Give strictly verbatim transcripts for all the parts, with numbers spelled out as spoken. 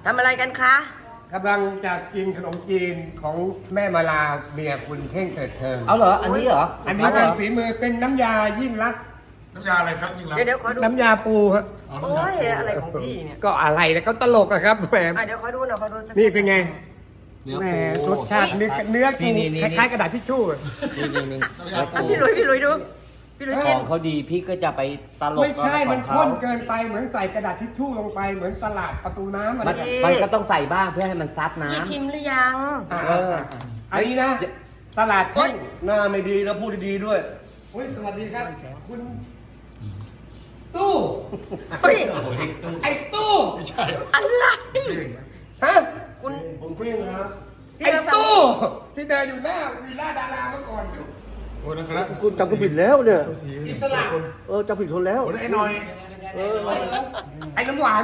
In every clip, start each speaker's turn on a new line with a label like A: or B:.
A: ทำอะไรกันคะ
B: กำลังจะกินขนมจีนของแม่มาลาเมียคุณเท่งเถิดเทิง
C: เอาเหรอ อันนี้เหรอ
B: อันนี้เป็นฝีมือเป็นน้ำยายิ่งรัก
D: น้ำยาอะไรครับยิ่งรัก
A: เดี๋ยวเดี๋ยวขอดู
B: น้ำยาปูฮะ
D: อ๋อ
A: โอ้
D: น้ำยาย
A: อะไรของพี่เนี่ย
B: ก็อะไรนะเขาตลกอะครับแหม
A: อ่ะเดี๋ยวขอดูหน่อยขอดูสัก
B: นี่เป็นไง
C: เนื้อ
B: แหม
C: ปู
B: รสชาติเนื้อเนื้อปู
C: นี่นี่
B: ค
C: นี่
B: ล้ายๆกระดาษทิชชู่อะ
C: นี่นี่นี่
D: น้ำยาปู
A: พี่ลุยพี่ลุยดู พี่ลุย
C: ข
A: กิน
C: องเขาดีพี่ก็จะไปตลก
B: ไม่ใช่
C: กับ
B: มัน
C: ของ
B: ข้
C: เขา
B: นเกินไปเหมือนใส่กระดาษทิชชู่ลงไปเหมือนตลาดประตูน้ำอะไร
C: มัน
B: แบบ
C: มันก็ต้องใส่บ้างเพื่อให้มันซับน้ำ
A: พี่ชิมหรือยัง
B: อ่า
C: เออ
B: อันนี้นะ ตลาด
A: โอ๊
B: แท่
A: ย
B: ง
E: หน้าไม่ดีแล้วพูดดีๆด้วย
B: โอ้ยสวัสดีครับคุณตู้
A: เฮ้ย
B: ไอ้ตู้
D: ไม่ใช่
A: อะไร
B: ฮะ
A: คุณ
E: ผมเพิ่งนะครับ
A: พี่
B: ไอ้
A: มาฟัง
B: ตู้ที่เดินอยู่หน้าวิลล่าดาราเมื่อก่อนอยู่
D: โอ้นะครับ
E: คุณจำคนผิดแล้วเนี่ย
B: อิสระ
E: เออจำผิดคนแล้ว
D: โอ้ไอ้หน่อย
E: เออ
B: ไอ้น้ำหวาน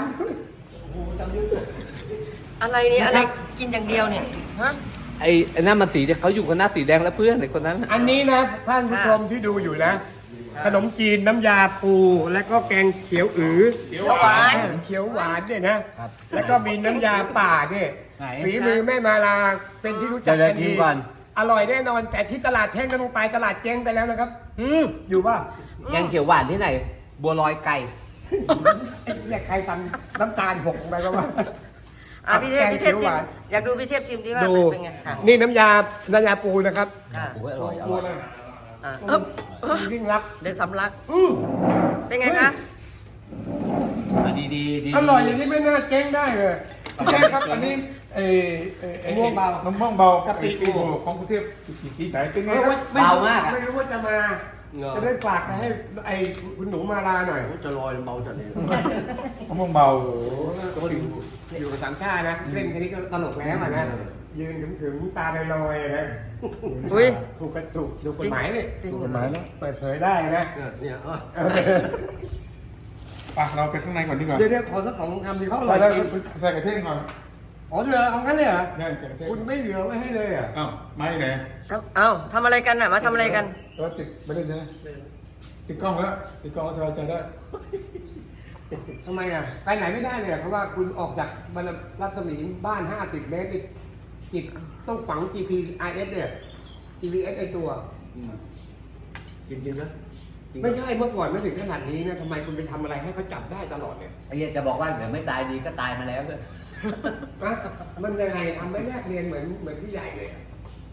A: อะไรเนี่ยอะไรกินอย่างเดียวเนี่ยฮะ
C: ไอ้ไอ้นั่นมันสีเขาอยู่กันหน้าสีแดงแล้วเพื่อนไอ้คนนั้น
B: อันนี้นะท่านผู้ชมที่ดูอยู่นะ ขนมจีนน้ำยาปูและก็แกงเขียวอือ
A: เขียวหวาน
B: เขียวหวานเนี่ยนะแล้วก็มีน้ำยาป่าเนี่ย
C: ไหน
B: ฝีมือแม่มาลาเป็นที่รู้จัก
C: เดี๋ยว
B: กัน
C: ๆ
B: ดี
C: ชิมก่อน
B: อร่อยแน่นอน แต่ที่ตลาดแท่งก็ต้องไปตลาดเจ๊งไปแล้วนะครับ
C: อืม
B: อยู่ป่ะ
C: แกงเขียวหวานที่ไหน บัวลอยไก่
B: ไอ้เนี่ยใครทำน้ำตาลหกลงไปก็ว่า
A: อ่ะพี่เทพพี่เทพ
B: แกงเขียวห
A: ชิม
B: วาน
A: อยากดูพี่เทพชิมดีว่า
B: ดู
A: เป็นไงค่ะ
B: นี่น้ำยา น้ำยาปูนะครับ
A: ค่ะ
C: โอ้ยอร่อยอ
D: ปู
C: ร่อย
D: อะไร
A: อ่ะเอ๊บเอ๊บ
B: ยิ่งรัก
A: เดินสำลัก
B: อืม
A: เป็นไงคะ
C: อ่ะดีดีดี
B: อร่อยอย่างนี้ไม่น่าเจ๊งได้เลย
D: พี่แจ๊คครับอันนี้ไอ้ไอ้ไอ้
B: มะม่วงเบา
D: มะม่วงเบากะปิปูของกรุงเทพสีใสเป็นไงครับ
B: ไม่รู้ไม่รู้ว่าจะมา จะได้ฝากไปให้ไอ้คุณหนูมาลาหน่อย
E: จะลอยเมาจัดเลย
D: มะม่วงเบา
B: อยู่กับสามชาตินะเล่นแค่นี้ก็ตลกแล้วอ่ะนะ ยืนถึงๆตาลอยๆนะ
A: อุ้ย
B: ถูกกระถูกถูกกฎหมายเลย
A: จริง
D: กฎหมายแล้ว
B: เปิดเผยได้นะ
E: เนี่ยเนี่ยเออ
B: เออ
D: ไปเราไปข้างในก่อนดีกว่า
B: เดี๋ยวเดี๋ยวขอสักสองคำดีเขาอร่
D: ใส่
B: อย
D: แล้ว
B: จริง
D: ใส่กระเทียมก่อน
B: อ๋อเหลือเอางั้นเลยเหรอ
D: ได้ใส่กระเทียม
B: คุณไม่เหลือไว้ให้เลยอ่ะ
D: อ้าวไม่ไหน
A: ทำเอ้าทำอะไรกันน่ะมาทำอะไรกัน
D: เราติดไปเล่นใช่ไหมติดกล้องแล้วติดกล้องแล้วสบายใจได้
B: ทำไมอ่ะไปไหนไม่ได้เลยอะเพราะว่าคุณออกจากบรรรัศมีบ้านห้าสิบเมตรนี่จิตต้องฝัง จี พี อาร์ เอส เนี่ย จี พี เอส ไอตัว
E: กินกินนะกิน
B: ไม่ใช่เมื่อก่อนไม่ถึงขนาดนี้นะทำไมคุณไปทำอะไรให้เขาจับได้ตลอดเนี่ย
C: ไอ้เหี้ยจะบอกว่าเดี๋ยวไม่ตายดีก็ตายมาแล้วเลย
B: นะมันยังไงทำไม่แลกเรียนเหมือนเหมือนพี่ใหญ่เลยอะ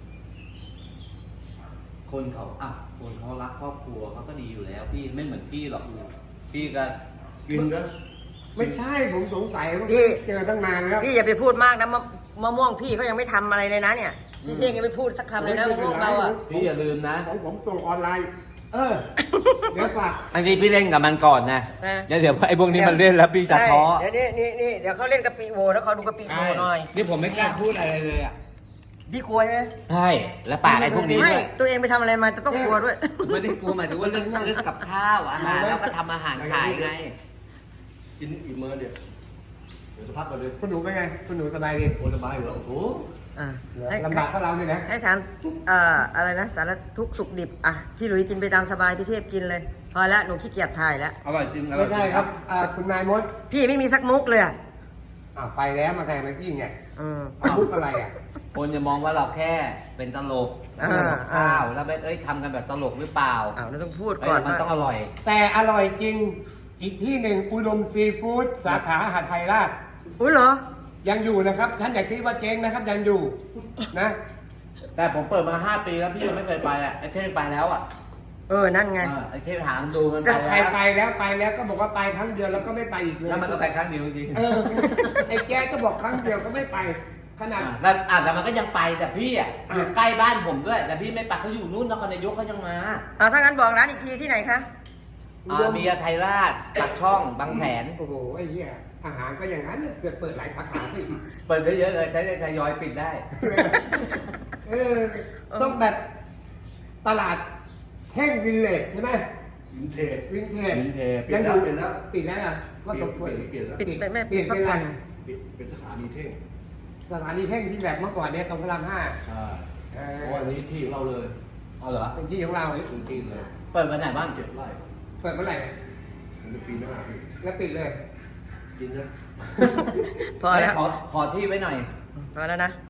C: คนเขาอ่ะคนเขารักครอบครัวเขาก็ดีอยู่แล้ว พี่ไม่เหมือนพี่หรอกพี่ก็
E: กินนะ
B: ไม่ใช่ผมสงสัยว่า
A: พี่
B: เจอตั้งนานแล้ว
A: พี่อย่าไปพูดมากนะมะมะม่วงพี่เขายังไม่ทำอะไรเลยนะเนี่ยพี่เท่งยังไม่พูดสักคำเลยนะมะม่วงเราอ่ะ
C: พี่อย่าลืมนะ
B: ของผมส่งออนไลน์ เออ เดี๋ยวฝาก
C: อันนี้พี่เล่นกับมันก่อนนะ
A: นะ
C: แล้วเดี๋ยวไอ้พวกนี้มันเล่นแล้วพี่จะท้อ
A: ใช่เดี๋ยวนี่นี่นี่เดี๋ยวเขาเล่นกะปิโวแล้วเขาดูกะปิโวหน่อย
C: นี่ผมไม่กล้าพูดอะไรเลยอ่ะ
A: พี่กลัวใช่ไหม
C: ใช่แล้วปากไอ้พวกนี้
A: ไม่
C: ด้วย
A: ตัวเองไปทำอะไรมาจะต้องกลัวด้วย
C: ไม่ได้กลัวหมายถึงว่าเรื่องเรื่องกับข้าวอาหารแล้วก็ทำอาหารขายไง
E: กินอีกมื้อเดียวเดี๋ยวจะพักก่อนเลย
B: คุณหนูเป็นไง คุณหนูสบายดี
E: โอ้สบายอยู่แล้วโอ้โห
A: อ่ะให้
B: ลำบากก็เราเนี่ยนะ
A: ให้ถามเอ่ออะไรนะสารทุกข์สุขดิบอ่ะพี่หลุยกินไปตามสบายพี่เทพกินเลย พอละหนูขี้เกียจถ่ายแล้ว
C: อร่อยจริงอร่
B: ไม่
C: อยจริง
B: ใช่ครับอ่าคุณนายมด
A: พี่ไม่มีสักมุกเลยอ่ะ
B: อ่าไปแล้วมาแทนมาพี่ไง
A: อืม
B: เอามุกอะไรอ่ะ
C: คนจะมองว่าเราแค่เป็นตลก
A: อ่า
C: ทำกับข้าวแล้วไม่เอ้ยทำกันแบบตลกหรือเปล่า
A: อ้าวเราต้องพูด
C: เอ้
A: ก่อน
C: ยมัน
A: ว่า
C: ต้องอร่อย
B: แต่อร่อยจริง อีกที่หนึ่งอุดมซีฟู้ดสาขาหาดไทยราช
A: อุ้ยเหรอ
B: ยังอยู่นะครับท่านอย่าคิดว่าเจ๊งนะครับยังอยู่นะ
C: แต่ผมเปิดมาห้าปีแล้วพี่ยังไม่เคยไปอ่ะไอ้เท่ไปแล้วอ่ะ
A: เออนั่นไง
C: เออไอ้เท่ถามดูมัน
B: จะ
C: ไป
B: ใคร
C: แล้ว
B: ไปแล้วไปแล้วก็บอกว่าไปครั้งเดียวแล้วก็ไม่ไปอีกเลย
C: แล้วมันก็ไปครั้งเดียวจริงๆ
B: เออไอ้แจ๊ก็บอกครั้งเดียวก็ไม่ไปขนาด
C: อ่ะแล้วอ่ะแต่มันก็ยังไปแต่พี่อ่ะ
B: อ่ะ
C: อยู่ใกล้บ้านผมด้วย แต่พี่ไม่ไปเขาอยู่นู่นนครนายกเขายังมา
A: อ่าถ้างั้นบอกร้านอีกทีที่ไหนคะ
C: อ่าเบียร์ไทยราชปากช่องบางแสน
B: โอ้โหไอ้เหี้ยอาหารก็อย่างนั้นเนี่ยเกิดเปิดหลายสาขาที่
C: เปิดได้เยอะเลยใช้ได้ทยอยปิดได้
B: เออต้องแบบตลาดแห้งวินเลจใช่ไหม
E: วินเทจ
B: วินเทจ
C: วินเทจ
B: ยังอยู่
E: เปลี่ยนแล้ว
B: ปิดแล้วอ่ะก็
E: เปลี่
B: ส
E: ยน
B: มควร
E: เปลี่ยนแล้ว
A: ปิดไปไม่
B: เปลี่ยน
A: พั
B: เป็
A: ก
B: นอะไร
A: ผ่อน
E: ปิดเป็นสถานีเท่ง
B: สถานีแห้งที่แบบเมื่อก่อนเนี่ยตรงพระรามห้า
E: ใช่
B: เอ
E: เพ
B: อ
E: ราะว่าอันนี้ที่ของเราเลย
C: เอาเหรอ
B: เป็นที่ของเรา
E: พื้นที่เลย
C: เปิดวันไหนบ้าง
E: เจ็ดไร่
B: เปิดเมื่อไหร่
E: มันจะปีหน้าพี่
B: แล้วปิดเลย
E: กินนะ
B: ท
A: พอแล้ว
C: ขอขอที่ไว้หน่อย
A: พอแล้วนะ